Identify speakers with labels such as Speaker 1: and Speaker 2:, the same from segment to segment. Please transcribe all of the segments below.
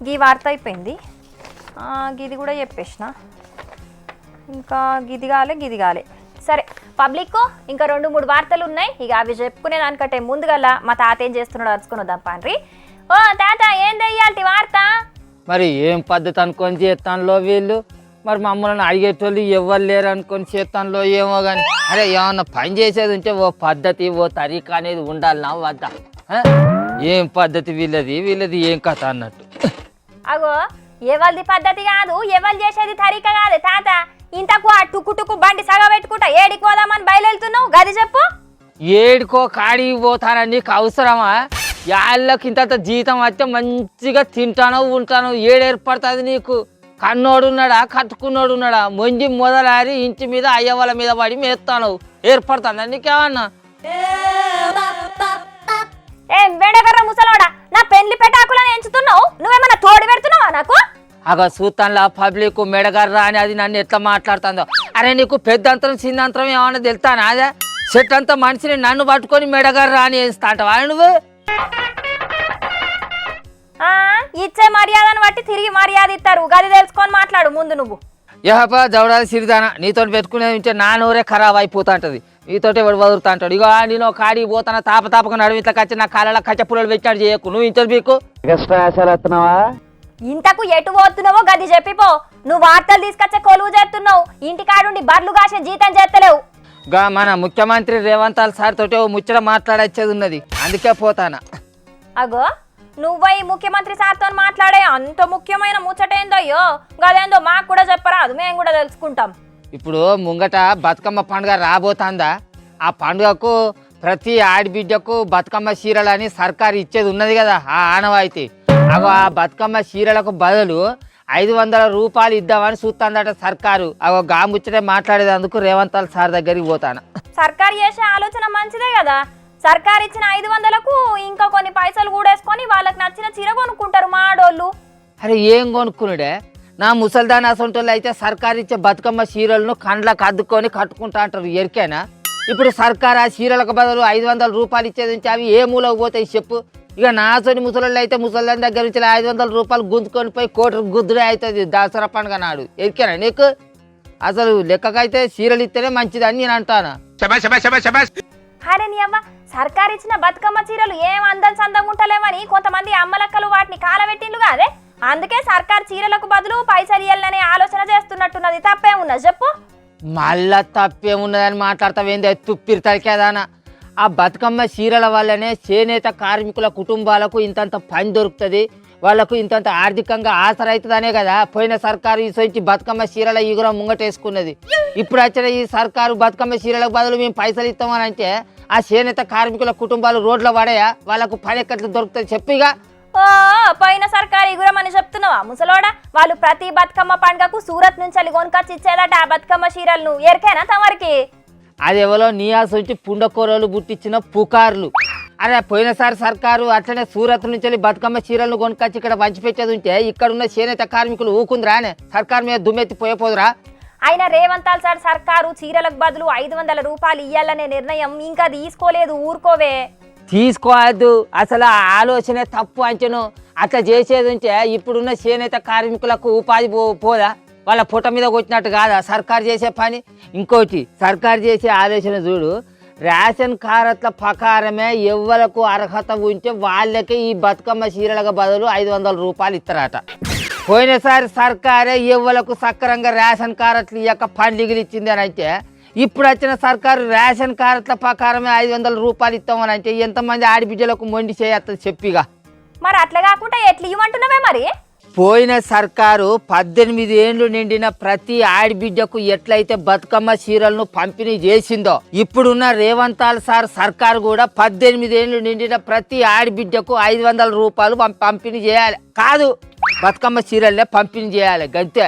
Speaker 1: గీ వార్త అయిపోయింది. గిది కూడా చెప్పేసిన. ఇంకా గిది కాలే. సరే పబ్లిక్ ఇంకా 2-3 వార్తలు ఉన్నాయి. ఇక అవి చెప్పుకునే దానికంటే ముందుగల మా తాత ఏం చేస్తున్నాడో అరుచుకుని వద్దాం పాండ్రి. ఓ తాత ఏం తెయ్యాలి వార్త?
Speaker 2: మరి ఏం పద్ధతి అనుకొని చేస్తానులో వీళ్ళు, మరి మమ్మల్ని అడిగేటోళ్ళు ఎవరు లేరు అనుకొని చేస్తానులో ఏమో కానీ. అరే ఏమన్నా పని చేసేది ఉంటే ఓ పద్ధతి ఓ తరీకా అనేది ఉండాలి నా వద్ద. ఏం పద్ధతి వీళ్ళది ఏం కథ అన్నట్టు.
Speaker 1: అగో ఎవరిది పద్ధతి కాదు, ఎవరు చేసేది తరీకా కాదు తాత. ఇంతకు ఆ టుక్కు బండి సగ పెట్టుకుంటా ఏడికి పోదామని బయలుతున్నావు గది చెప్పు.
Speaker 2: ఏడుకో కాడికి పోతానని నీకు అవసరమా? యాళ్ళకి ఇంత జీతం వస్తే మంచిగా తింటాను ఉంటాను. ఏడేర్పడుతుంది నీకు? కన్నోడున్నాడా కట్టుకున్నోడున్నాడా? మొంజి మొదలారి ఇంటి మీద అయ్యవాళ్ళ మీద పడి మేస్తాను. ఏర్పడుతుందా నీకేమన్నా?
Speaker 1: ఏం వేడగర్ర ముసలోడా, నా పెళ్లి పెటాకులను ఎంచుతున్నావు? నువ్వేమన్నా తోడు పెడుతున్నావా నాకు?
Speaker 2: అగ సూతంలా పబ్లిక్ మెడగర్రా అని అది నన్ను ఎట్లా మాట్లాడుతుందో. అరే నీకు పెద్దంతరం చిన్నంతరం ఏమన్నా తెలుతానా? అదే చెట్టు అంతా మనిషిని నన్ను పట్టుకొని మెడగర్రా అని వేస్తా అంటావా నువ్వు?
Speaker 1: ఇచ్చే మర్యాదను బట్టి తిరిగి మర్యాద ఇస్తారు. గది తెలుసుకొని మాట్లాడు ముందు నువ్వు.
Speaker 2: యహపా జవడాది సిరిదానా, నీతో పెట్టుకునేది ఉంటే నా నోరే ఖరాబ్ అయిపోతా ఉంటుంది. నీతోటి ఎవడు వదులుతా అంటాడు. ఇగో నేను కాడికి పోతానా తాపక నడుము ఇట్లా కచ్చి నా కాళ్ళ కచ్చ పుల్లలు పెట్టాడు చేయకు. నువ్వు ఇంటర్వ్యూకు
Speaker 1: ఇంతకు ఎటు పోతున్నావో గది చెప్పిపో. నువ్వు వార్తలు తీసుకొచ్చే కొలువు చేస్తున్నావు, ఇంటికాడుండి బర్లు కాసే జీతం చేస్తలేవు.
Speaker 2: గా మన ముఖ్యమంత్రి రేవంత్ సార్ తోటి ఓ ముచ్చట మాట్లాడచ్చేది ఉన్నది, అందుకే పోతానా.
Speaker 1: అగో నువ్వై ముఖ్యమంత్రి సార్తో మాట్లాడే అంత ముఖ్యమైన ముచ్చటేందయ్యో, గదేందో మాకు కూడా చెప్పరాదు, మేము కూడా తెలుసుకుంటాం.
Speaker 2: ఇప్పుడు ముంగట బతుకమ్మ పండుగ రాబోతుందా? ఆ పండుగకు ప్రతి ఆడబిడ్డకు బతుకమ్మ చీరలని సర్కారు ఇచ్చేది ఉన్నది కదా, ఆ ఆనవాయితీ. అగో ఆ బతుకమ్మ చీరలకు బదులు 500 రూపాయలు ఇద్దామని చూస్తుందట సర్కారు. అగో గా ముచ్చటే మాట్లాడేందుకు రేవంత్ సార్ దగ్గరికి పోతాను.
Speaker 1: సర్కారు చేసే ఆలోచన మంచిదే కదా. సర్కారు ఇచ్చిన 500కు ఇంకా కొన్ని పైసలు కూడేసుకొని వాళ్ళకి నచ్చిన చీర కొనుక్కుంటారు మా ఆడోళ్ళు.
Speaker 2: అరే ఏం కొనుక్కునుడే? నా ముసల్దాన్ అసంటోళ్ళు అయితే సర్కారు ఇచ్చే బతుకమ్మ చీరలను కండ్లకు అద్దుకొని కట్టుకుంటా అంటారు. ఎరికేనా? ఇప్పుడు సర్కారు ఆ చీరలకు బదులు 500 రూపాయలు ఇచ్చేది ఉంటే అవి ఏ మూలకు పోతాయి చెప్పు? ఇక నాతోని ముసలోళ్ళు అయితే ముసల్దాన్ దగ్గర నుంచి 500 రూపాయలు గుంజుకొని పోయి కోటి గుద్దుడే అవుతుంది దసరా పండుగ నాడు. ఎరికేనా నీకు? అసలు లెక్కకైతే చీరలు ఇస్తేనే మంచిదని నేను అంటాను.
Speaker 1: అరే నీ అవ్వ, సర్కారు ఇచ్చిన బతుకమ్మ చీరలు ఏం అందం సందంగా ఉంటలేమని కొంతమంది అమ్మలక్కలు వాటిని కాలబెట్టిండ్లు కాదే. అందుకే సర్కారు చీరలకు బదులు పైసలు ఇయ్యాలనే ఆలోచన చేస్తున్నట్టున్నది. తప్పేమున్నది చెప్పు?
Speaker 2: మళ్ళా తప్పేమున్నదని మాట్లాడతావేంది తుప్పిరి తరికేదానా? ఆ బతుకమ్మ చీరల వల్లనే చేనేత కార్మికుల కుటుంబాలకు ఇంతంత పని దొరుకుతుంది, వాళ్ళకు ఇంతంత ఆర్థికంగా ఆసరైతుందనే కదా పోయిన సర్కారు ఈ సొంచి బతుకమ్మ చీరల ఈగురం ముంగటేసుకున్నది. ఇప్పుడు వచ్చిన ఈ సర్కారు బతుకమ్మ చీరలకు బదులు మేము పైసలు ఇస్తామని అంటే ఆ చేనేత కార్మికుల కుటుంబాలు రోడ్ల పడయా? వాళ్ళకు పని ఎక్కట్లు దొరుకుతుంది చెప్పిగా?
Speaker 1: ఓ పోయిన సర్కారు ఈగురం అని చెప్తున్నావా ముసలోడా? వాళ్ళు ప్రతి బతుకమ్మ పండుగకు సూరత్ నుంచి కొనుకొచ్చి ఇచ్చేదట ఆ బతుకమ్మ చీరలను. ఎరికేనా తమరికి?
Speaker 2: అది ఎవరో నియాస్ వచ్చి పుండకూరలు పుట్టించిన పుకార్లు. అరే పోయినసారి సర్కారు అట్లనే సూరత్ నుంచి బతుకమ్మ చీరలను కొనుకొచ్చి ఇక్కడ పంచిపెట్టేది ఉంటే ఇక్కడున్న చేనేత కార్మికులు ఊకుందిరానే? సర్కారు మీద దుమ్మెత్తి పోయపోదురా?
Speaker 1: ఆయన రేవంత్ సార్ సర్కారు చీరలకు బదులు 500 రూపాయలు ఇయ్యాలనే నిర్ణయం ఇంకా తీసుకోలేదు. ఊరుకోవే.
Speaker 2: తీసుకోవద్దు, అసలు ఆ ఆలోచనే తప్పు అంచను. అట్లా చేసేది ఉంటే ఇప్పుడున్న చేనేత కార్మికులకు ఉపాధి పోదా? వాళ్ళ పుట్ట మీద కొట్టినట్టు కాదా సర్కారు చేసే పని? ఇంకోటి సర్కారు చేసే ఆలోచన చూడు, రేషన్ కార్డుల ప్రకారమే ఎవ్వరకు అర్హత ఉంటే వాళ్ళకి ఈ బతుకమ్మ చీరలకు బదులు 500 రూపాయలు ఇస్తారట. పోయినసారి సర్కారే ఎవ్వలకు సక్రంగా రేషన్ కార్డులు ఇయ్యక పండుగలు ఇచ్చింది అని అంటే, ఇప్పుడు వచ్చిన సర్కారు రేషన్ కార్డుల ప్రకారమే 500 రూపాయలు ఇస్తామని అంటే ఎంతమంది ఆడబిడ్డలకు మొండి చేయత్తది చెప్పిగా?
Speaker 1: మరి అట్లా కాకుండా ఎట్లా ఇవ్వమంటున్నావే మరి?
Speaker 2: పోయిన సర్కారు 18 ఏళ్ళు నిండిన ప్రతి ఆడబిడ్డకు ఎట్లయితే బతుకమ్మ చీరలను పంపిణీ చేసిందో, ఇప్పుడున్న రేవంత్ సార్ సర్కారు కూడా 18 ఏళ్ళు నిండిన ప్రతి ఆడబిడ్డకు 500 రూపాయలు పంపిణీ చేయాలి. కాదు, బతుకమ్మ చీరలనే పంపిణీ చేయాలి గంతే.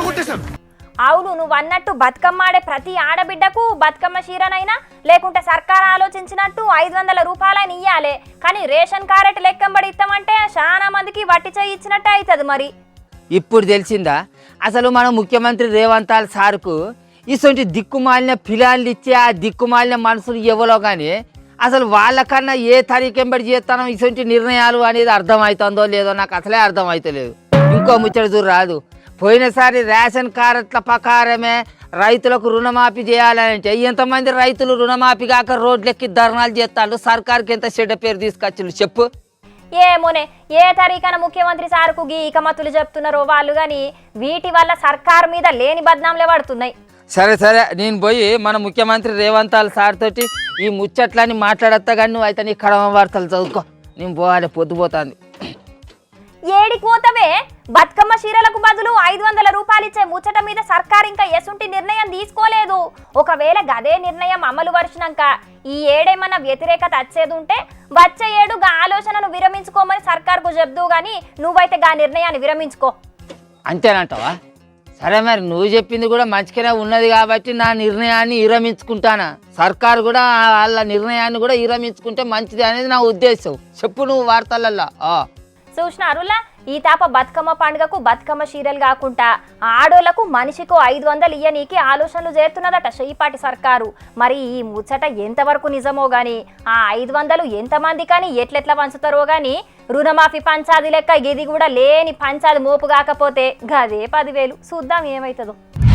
Speaker 1: అవును, నువ్వు అన్నట్టు బతుకమ్మ ఆడే ప్రతి ఆడబిడ్డకు బతుకమ్మ చీరనైనా లేకుంటే సర్కారు ఆలోచించినట్టు 500 రూపాయలని ఇయ్యాలి. కానీ రేషన్ కార్డు లెక్కంబడి ఇస్తామంటే చాలా మందికి వట్టి చేయి ఇచ్చినట్టే అవుతుంది. మరి
Speaker 2: ఇప్పుడు తెలిసిందా అసలు మన ముఖ్యమంత్రి రేవంత్ సార్కు ఇటువంటి దిక్కుమాలిన పిలాన్లు ఇచ్చే ఆ దిక్కుమాలిన మనుషులు ఎవరో కానీ అసలు వాళ్ళకన్నా ఏ తరీకెంబడి చేస్తానో ఇటువంటి నిర్ణయాలు అనేది అర్థమవుతుందో లేదో నాకు అసలే అర్థమవుతలేదు. ఇంకో ముచ్చట చూడు రాదు, పోయినసారి రేషన్ కార్డుల ప్రకారమే రైతులకు రుణమాఫీ చేయాలంటే ఎంతమంది రైతులు రుణమాఫీ కాక రోడ్లెక్కి ధర్నాలు చేస్తాడు, సర్కార్కి ఎంత చెడ్డ పేరు తీసుకొచ్చిండు చెప్పు.
Speaker 1: ఏమోనే ఏ తరీఖన ముఖ్యమంత్రి సార్కు గీ ఇకమతులు చెప్తున్నారో వాళ్ళు కానీ వీటి వల్ల సర్కారు మీద లేని బద్నాంలే పడుతున్నాయి.
Speaker 2: సరే సరే, నేను పోయి మన ముఖ్యమంత్రి రేవంత్ సార్ తోటి ఈ ముచ్చట్లని మాట్లాడతా కానీ నువ్వు అయితే నీ కడమ వార్తలు చదువుకో, నేను పోవాలి పొద్దుపోతాంది.
Speaker 1: ఏడికి పోతావే? బతుకమ్మ చీరలకు బదులు 500 రూపాయలు ఇచ్చే ముచ్చట మీద సర్కార్ ఇంకా ఎసుంటి నిర్ణయం తీసుకోలేదు. ఒకవేళ గదే నిర్ణయం అమలు పరిచినాక ఈ ఏడేమన్నా వ్యతిరేకత వచ్చేది ఉంటే వచ్చే ఏడు గా ఆలోచనను విరమించుకోమని సర్కార్కు చెప్దు గాని నువ్వైతే గా నిర్ణయాన్ని విరమించుకో.
Speaker 2: అంతేనంటావా? సరే మరి నువ్వు చెప్పింది కూడా మంచిగానే ఉన్నది కాబట్టి నా నిర్ణయాన్ని విరమించుకుంటానా, సర్కారు కూడా వాళ్ళ నిర్ణయాన్ని కూడా విరమించుకుంటే మంచిది అనేది నా ఉద్దేశం. చెప్పు నువ్వు వార్తలల్లో.
Speaker 1: చూసినారులా ఈ తాప బతుకమ్మ పండుగకు బతుకమ్మ చీరలు కాకుండా ఆడోళ్లకు మనిషికో 500 ఇయ్యనీకి ఆలోచనలు చేస్తున్నదట షెయ్యిపాటి సర్కారు. మరి ఈ ముచ్చట ఎంతవరకు నిజమో గాని ఆ 500 ఎంతమంది కానీ ఎట్లెట్లా పంచుతారో గాని రుణమాఫీ పంచాది లెక్క ఇది కూడా లేని పంచాది మోపు కాకపోతే గదే 10,000. చూద్దాం ఏమవుతుందో.